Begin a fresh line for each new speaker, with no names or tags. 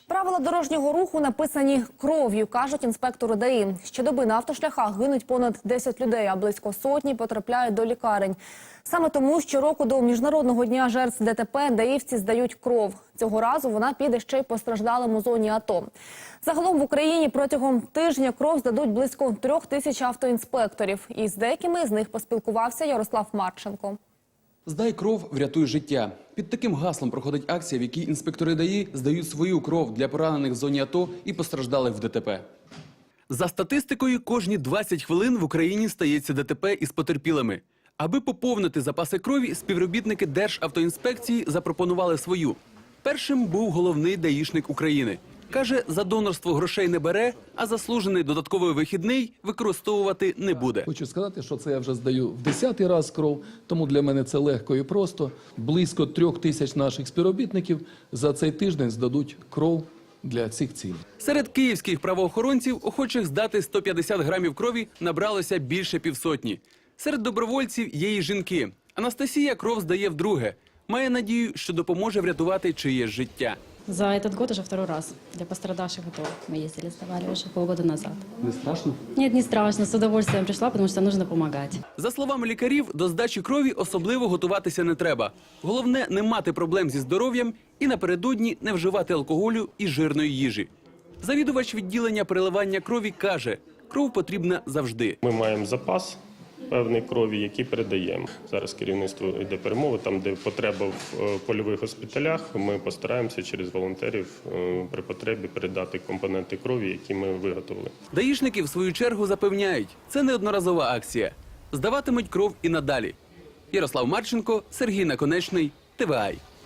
Правила дорожнього руху написані кров'ю, кажуть інспектори ДАІ. Щодоби на автошляхах гинуть понад 10 людей, а близько сотні потрапляють до лікарень. Саме тому щороку до Міжнародного дня жертв ДТП даївці здають кров. Цього разу вона піде ще й постраждалим у зоні АТО. Загалом в Україні протягом тижня кров здадуть близько 3000 автоінспекторів. І з деякими з них поспілкувався Ярослав Марченко.
«Здай кров, врятуй життя». Під таким гаслом проходить акція, в якій інспектори ДАІ здають свою кров для поранених в зоні АТО і постраждалих в ДТП. За статистикою, кожні 20 хвилин в Україні стається ДТП із потерпілими. Аби поповнити запаси крові, співробітники Державтоінспекції запропонували свою. Першим був головний даїшник України. Каже, за донорство грошей не бере, а заслужений додатковий вихідний використовувати не буде.
Хочу сказати, що це я вже здаю в 10-й раз кров, тому для мене це легко і просто. Близько 3000 наших співробітників за цей тиждень здадуть кров для цих цілей.
Серед київських правоохоронців охочих здати 150 грамів крові набралося більше півсотні. Серед добровольців є і жінки. Анастасія кров здає вдруге. Має надію, що допоможе врятувати чиєсь життя.
За этот год уже второй раз. Для пострадавших АТО мы ездили, сдавали уже полгода назад.
Не страшно?
Нет, не страшно. С удовольствием пришла, потому что нужно помогать.
За словами лікарів, до здачі крові особливо готуватися не треба. Головне – не мати проблем зі здоров'ям і напередодні не вживати алкоголю і жирної їжі. Завідувач відділення переливання крові каже, кров потрібна завжди.
Ми маємо запас певної крові, який передаємо. Зараз керівництво йде перемови, там, де потреба в польових госпіталях, ми постараємося через волонтерів при потребі передати компоненти крові, які ми виготовили.
Даїшники, в свою чергу, запевняють, це не одноразова акція. Здаватимуть кров і надалі. Ярослав Марченко, Сергій Наконечний, ТВА.